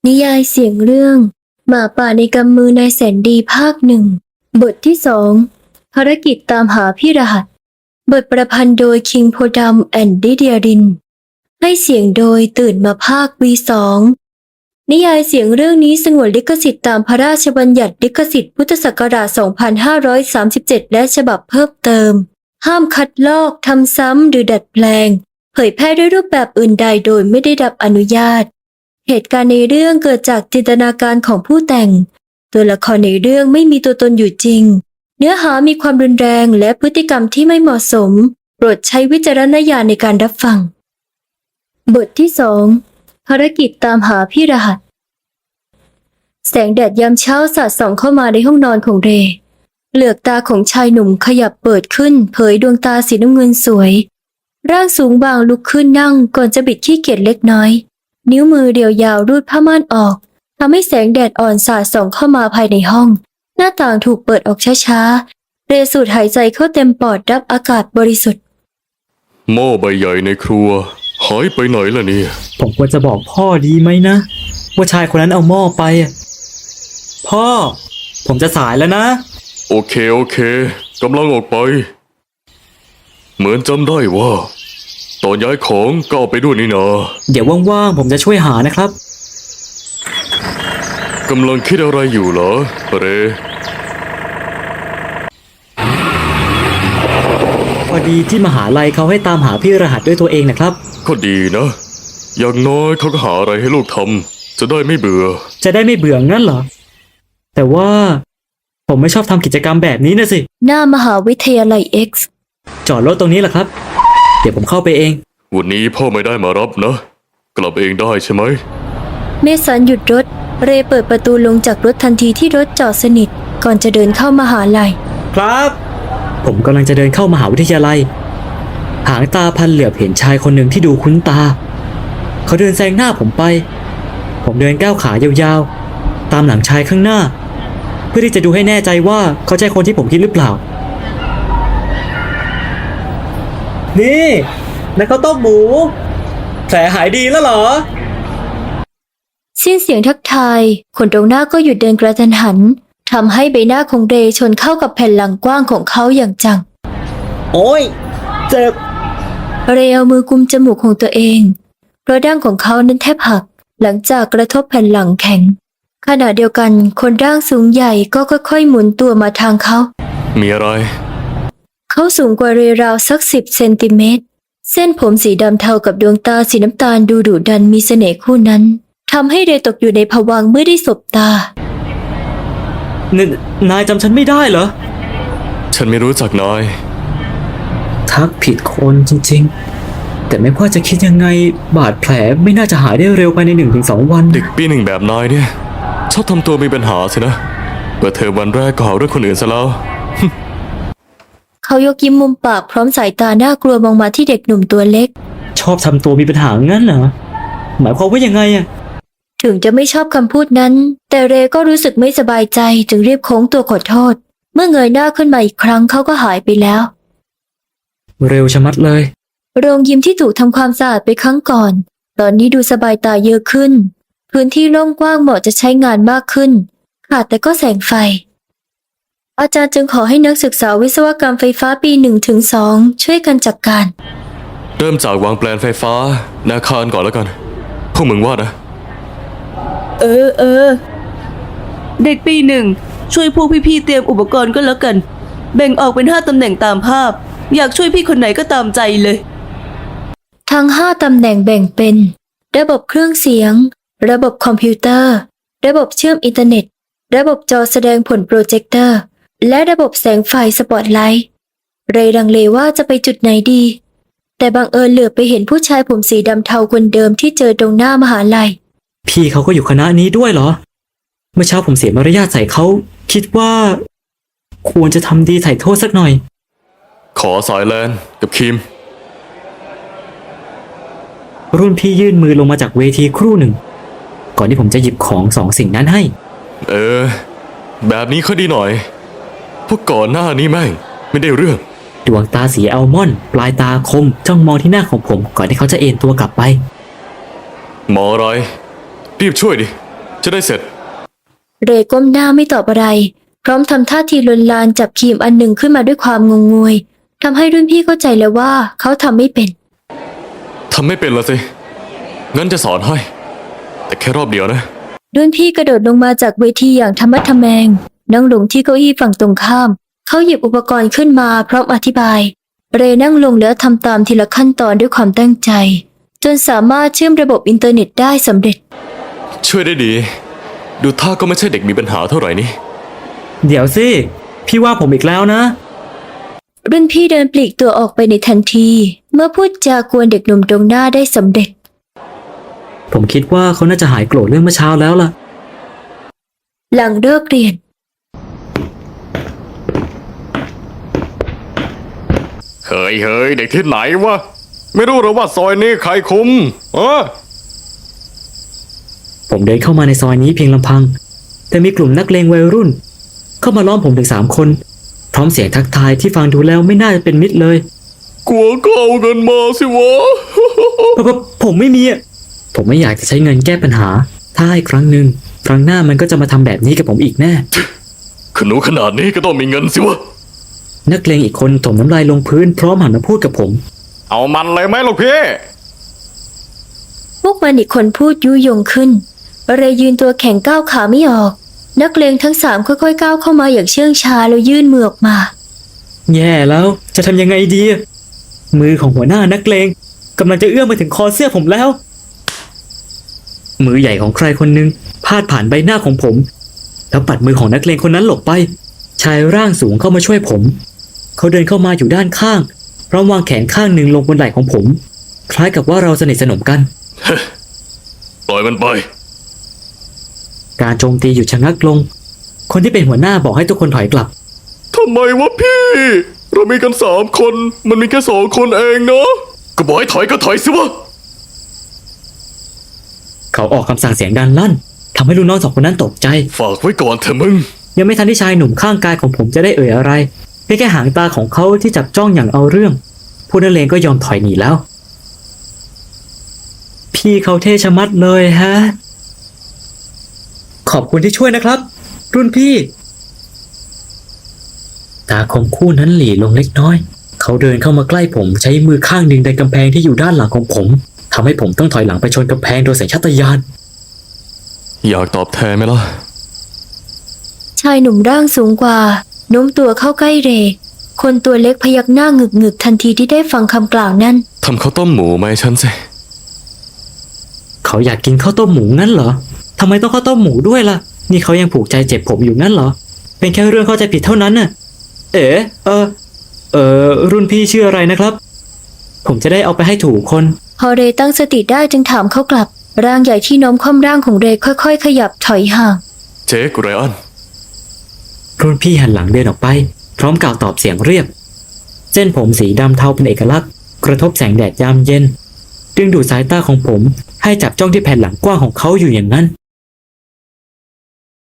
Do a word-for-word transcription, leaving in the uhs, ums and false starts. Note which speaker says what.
Speaker 1: นิยายเสียงเรื่องหมาป่าในกำมือนายแสนดีภาคหนึ่งบทที่สองภารกิจตามหาพี่รหัสบทประพันธ์โดยคิงโพดัมแอนด์ดิเดียรินให้เสียงโดยตื่นมาภาค วี สองนิยายเสียงเรื่องนี้สงวนลิขสิทธิ์ตามพระราชบัญญัติลิขสิทธิ์พุทธศักราช สองพันห้าร้อยสามสิบเจ็ด และฉบับเพิ่มเติมห้ามคัดลอกทำซ้ำหรือดัดแปลงเผยแพร่ด้วยรูปแบบอื่นใดโดยไม่ได้รับอนุญาตเหตุการณ์ในเรื่องเกิดจากจินตนาการของผู้แต่งตัวละครในเรื่องไม่มีตัวตนอยู่จริงเนื้อหามีความรุนแรงและพฤติกรรมที่ไม่เหมาะสมโปรดใช้วิจารณญาณในการรับฟังบทที่สองภารกิจตามหาพี่รหัสแสงแดดยามเช้าสาดส่องเข้ามาในห้องนอนของเรย์เหลือกตาของชายหนุ่มขยับเปิดขึ้นเผยดวงตาสีน้ำเงินสวยร่างสูงบางลุกขึ้นนั่งก่อนจะบิดขี้เกียจเล็กน้อยนิ้วมือเรียวยาวรูดผ้าม่านออกทำให้แสงแดดอ่อนสาดส่องเข้ามาภายในห้องหน้าต่างถูกเปิดออกช้าๆเรย์สูดหายใจเข้าเต็มปอดรับอากาศบริสุทธิ์
Speaker 2: หม้อใบใหญ่ในครัวหายไปไหนล่ะเนี่ย
Speaker 3: ผมควรจะบอกพ่อดีไหมนะว่าชายคนนั้นเอาหม้อไปพ่อผมจะสายแล้วนะ
Speaker 2: โอเคโอเคกำลังออกไปเหมือนจำได้ว่าตอนย้ายของก็เอาไปด้วยนี่นา
Speaker 3: เดี๋ยวว่างๆผมจะช่วยหานะครับ
Speaker 2: กำลังคิดอะไรอยู่เหรอเร
Speaker 3: พอดีที่มหาลัยเขาให้ตามหาพี่รหัสด้วยตัวเองนะครับ
Speaker 2: ก็ดีนะอย่างน้อยเขาก็หาอะไรให้ลูกทำจะได้ไม่เบื่อ
Speaker 3: จะได้ไม่เบื่องั้นเหรอแต่ว่าผมไม่ชอบทำกิจกรรมแบบนี้นะสิ
Speaker 1: หน้ามหาวิทยาลัย X
Speaker 3: จอดรถตรงนี้แหละครับเดี๋ยวผมเข้าไปเอง
Speaker 2: วันนี้พ่อไม่ได้มารับนะกลับเองได้ใช่ไหม
Speaker 1: เมสันหยุดรถเรย์เปิดประตูลงจากรถทันทีที่รถจอดสนิทก่อนจะเดินเข้ามหาลัย
Speaker 3: ครับผมกำลังจะเดินเข้ามหาวิทยาลัยหางตาพันเหลือบเห็นชายคนหนึ่งที่ดูคุ้นตาเขาเดินแซงหน้าผมไปผมเดินก้าวขายาวๆตามหลังชายข้างหน้าเพื่อที่จะดูให้แน่ใจว่าเขาใช่คนที่ผมคิดหรือเปล่านี่นักข้าวต้มหมูแผลหายดีแล้วเหรอ
Speaker 1: สิ้นเสียงทักทายคนตรงหน้าก็หยุดเดินกระทันหันทำให้ใบหน้าของเรย์ชนเข้ากับแผ่นหลังกว้างของเขาอย่างจัง
Speaker 3: โอ้ยเจ็บ
Speaker 1: เรย์เอามือกุมจมูกของตัวเองเพราะดั้งของเขานั้นแทบหักหลังจากกระทบแผ่นหลังแข็งขณะเดียวกันคนร่างสูงใหญ่ก็ค่อยๆหมุนตัวมาทางเขา
Speaker 2: มีอะไร
Speaker 1: เขาสูงกว่าเรย์ราวสักสิบเซนติเมตรเส้นผมสีดำเทากับดวงตาสีน้ำตาลดูดุดันมีเสน่ห์คู่นั้นทำให้เรย์ตกอยู่ในภวังค์เมื่อได้สบตาน
Speaker 3: นายจำฉันไม่ได้เหรอ
Speaker 2: ฉันไม่รู้จักนาย
Speaker 3: ทักผิดคนจริงๆแต่ไม่ว่าจะคิดยังไงบาดแผลไม่น่าจะหายได้เร็วภายในหนึ่งถึงสองวัน
Speaker 2: เด็กปีหนึ่งแบบนายเนี่ยชอบทำตัวมีปัญหาสินะเปิดเทอมวันแรกก็หาเรื่องคนอื่นซะแล้ว
Speaker 1: เขายกยิ้มมุมปากพร้อมสายตาน่ากลัวมองมาที่เด็กหนุ่มตัวเล็ก
Speaker 3: ชอบทำตัวมีปัญหางั้นเหรอหมายความว่ายังไงอะ
Speaker 1: ถึงจะไม่ชอบคำพูดนั้นแต่เรย์ก็รู้สึกไม่สบายใจจึงรีบโค้งตัวขอโทษเมื่อเงยหน้าขึ้นมาอีกครั้งเขาก็หายไปแล้ว
Speaker 3: เร็วชะมัดเลย
Speaker 1: โรงยิมที่ถูกทำความสะอาดไปครั้งก่อนตอนนี้ดูสบายตาเยอะขึ้นพื้นที่โล่งกว้างเหมาะจะใช้งานมากขึ้นขาดแต่ก็แสงไฟอาจารย์จึงขอให้นักศึกษาวิศวกรรมไฟฟ้าปีหนึ่งถึงสองช่วยกันจัดการ
Speaker 2: เริ่มจากวางแปลนไฟฟ้าในอาคารก่อนแล้วกันพวกมึงว่านะ
Speaker 4: เออเออเด็กปีหนึ่งช่วยพวกพี่ๆเตรียมอุปกรณ์ก็แล้วกันแบ่งออกเป็นห้าตำแหน่งตามภาพอยากช่วยพี่คนไหนก็ตามใจเลย
Speaker 1: ทั้งห้าตำแหน่งแบ่งเป็นระบบเครื่องเสียงระบบคอมพิวเตอร์ระบบเชื่อมอินเทอร์เน็ตระบบจอแสดงผลโปรเจคเตอร์และระบบแสงไฟสปอตไลท์เรย์ลังเลว่าจะไปจุดไหนดีแต่บังเอิญเหลือบไปเห็นผู้ชายผมสีดำเทาคนเดิมที่เจอตรงหน้ามหาลัย
Speaker 3: พี่เขาก็อยู่คณะนี้ด้วยเหรอเมื่อเช้าผมเสียมารยาทใส่เขาคิดว่าควรจะทำดีไถ่โทษสักหน่อย
Speaker 2: ขอสายแลนกับคิม
Speaker 3: รุ่นพี่ยื่นมือลงมาจากเวทีครู่หนึ่งก่อนที่ผมจะหยิบของสองสิ่งนั้นให้
Speaker 2: เออแบบนี้ค่อยดีหน่อยพวกก่อนหน้านี้แม่งไม่ได้เรื่อง
Speaker 3: ดวงตาสีอัลมอนด์ปลายตาคมจ้องมองที่หน้าของผมก่อนที่เขาจะเอนตัวกลับไป
Speaker 2: หมออะไรรีบช่วยดิจะได้เสร็จ
Speaker 1: เรย์ก้มหน้าไม่ตอบอะไร พร้อมทำท่าทีลวนลานจับครีมอันหนึ่งขึ้นมาด้วยความงงงวยทำให้รุ่นพี่เข้าใจแล้วว่าเขาทำไม่เป็น
Speaker 2: ทำไม่เป็นละสิ งั้นจะสอนให้ แต่แค่รอบเดียวนะ
Speaker 1: รุ่นพี่กระโดดลงมาจากเวทีอย่างธรรมะทแมง นั่งลงที่เก้าอี้ฝั่งตรงข้าม เขาหยิบอุปกรณ์ขึ้นมาพร้อมอธิบาย เรย์นั่งลงแล้วทำตามทีละขั้นตอนด้วยความตั้งใจ จนสามารถเชื่อมระบบอินเทอร์เน็ตได้สำเร็จ
Speaker 2: ช่วยได้ดี ดูท่าก็ไม่ใช่เด็กมีปัญหาเท่าไหร่นี่
Speaker 3: เดี๋ยวสิ พี่ว่าผมอีกแล้วนะ
Speaker 1: รุ่นพี่เดินปลีกตัวออกไปในทันที เมื่อพูดจากวนเด็กหนุ่มตรงหน้าได้สำเร็จ
Speaker 3: ผมคิดว่าเขาน่าจะหายโกรธเรื่องเมื่อเช้าแล้วล่ะ
Speaker 1: หลังเลิกเรียน
Speaker 2: เฮ้ยเฮ้ยเด็กที่ไหนวะ ไม่รู้หรอว่าซอยนี้ใครคุมเออ
Speaker 3: ผมเดินเข้ามาในซอยนี้เพียงลำพัง แต่มีกลุ่มนักเลงวัยรุ่น เข้ามาล้อมผมถึงสามคน พร้อมเสียงทักทายที่ฟังดูแล้วไม่น่าจะเป็นมิตรเลย
Speaker 2: กลัวก็เอาเงินมาสิวะ
Speaker 3: เพราะผมไม่มีอะผมไม่อยากจะใช้เงินแก้ปัญหา ถ้าให้ครั้งหนึ่งครั้งหน้ามันก็จะมาทำแบบนี้กับผมอีกแน่
Speaker 2: ขนูขนาดนี้ก็ต้องมีเงินสิวะ
Speaker 3: นักเลงอีกคนถมน้ำลายลงพื้นพร้อมหันมาพูดกับผม
Speaker 2: เอามันเลยไหมลูกพี่
Speaker 1: พวกมันอีกคนพูดยุยงขึ้น เรย์ยืนตัวแข็งก้าวขาไม่ออก นักเลงทั้งสามค่อยๆก้าวเข้ามาอย่างเชื่องช้าแล้วยื่นมือออกมา
Speaker 3: แย่แล้วจะทำยังไงดี มือของหัวหน้านักเลงกำลังจะเอื้อมมาถึงคอเสื้อผมแล้ว มือใหญ่ของใครคนหนึ่งพาดผ่านใบหน้าของผม แล้วปัดมือของนักเลงคนนั้นหลบไป ชายร่างสูงเข้ามาช่วยผม เขาเดินเข้ามาอยู่ด้านข้างพร้อมวางแขนข้างหนึ่งลงบนไหล่ของผม คล้ายกับว่าเราสนิทสนมกัน
Speaker 2: ปล่อยมันไป
Speaker 3: การโจมตีหยุดชะงักลง คนที่เป็นหัวหน้าบอกให้ทุกคนถอยกลับ
Speaker 2: ทำไมวะพี่ เรามีกันสามคน มันมีแค่สองคนเองเนาะ ก็บอกให้ถอยก็ถอยสิวะ
Speaker 3: เขาออกคำสั่งเสียงดังลั่นทำให้ลูกน้องสองคนนั้นตกใจ
Speaker 2: ฝากไว้ก่อนเถอะมึง
Speaker 3: ยังไม่ทันที่ชายหนุ่มข้างกายของผมจะได้เอ่ยอะไรเพียงแค่หางตาของเขาที่จับจ้องอย่างเอาเรื่องผู้นักเลงก็ยอมถอยหนีแล้ว พี่เขาเท่ชะมัดเลยฮะ ขอบคุณที่ช่วยนะครับ รุ่นพี่ ตาคมคู่นั้นหลีลงเล็กน้อย เขาเดินเข้ามาใกล้ผมใช้มือข้างหนึ่งดันกำแพงที่อยู่ด้านหลังของผมทำให้ผมต้องถอยหลังไปชนกำแพงโดยสัญชาตญาณ
Speaker 2: อยากตอบแทนไหมล่ะ
Speaker 1: ชายหนุ่มร่างสูงกว่าโน้มตัวเข้าใกล้เรย์คนตัวเล็กพยักหน้าหงึกหงึกๆทันทีที่ได้ฟังคำกล่าวนั้น
Speaker 2: ทำข้าวต้มหมูไหมาให้ฉันสิ
Speaker 3: เขาอยากกินข้าวต้มหมูงั้นเหรอทำไมต้องข้าวต้มหมูด้วยล่ะ นี่เขายังผูกใจเจ็บผมอยู่งั้นเหรอ เป็นแค่เรื่องเข้าใจผิดเท่านั้นน่ะ เอ๋เออ เออรุ่นพี่ชื่ออะไรนะครับ ผมจะได้เอาไปให้ถูกคน
Speaker 1: พอเรย์ตั้งสติได้จึงถามเขากลับ ร่างใหญ่ที่โน้มคว่ำร่างของเรย์ค่อยๆ ขยับถอยห่าง
Speaker 2: เจ๊กุไรอัน
Speaker 3: รุ่นพี่หันหลังเดินออกไป พร้อมกล่าวตอบเสียงเรียบ เส้นผมสีดำเทาเป็นเอกลักษณ์ กระทบแสงแดดยามเย็น ดึงดูดสายตาของผมให้จับจ้องที่แผ่นหลังกว้างของเขาอยู่อย่างนั้น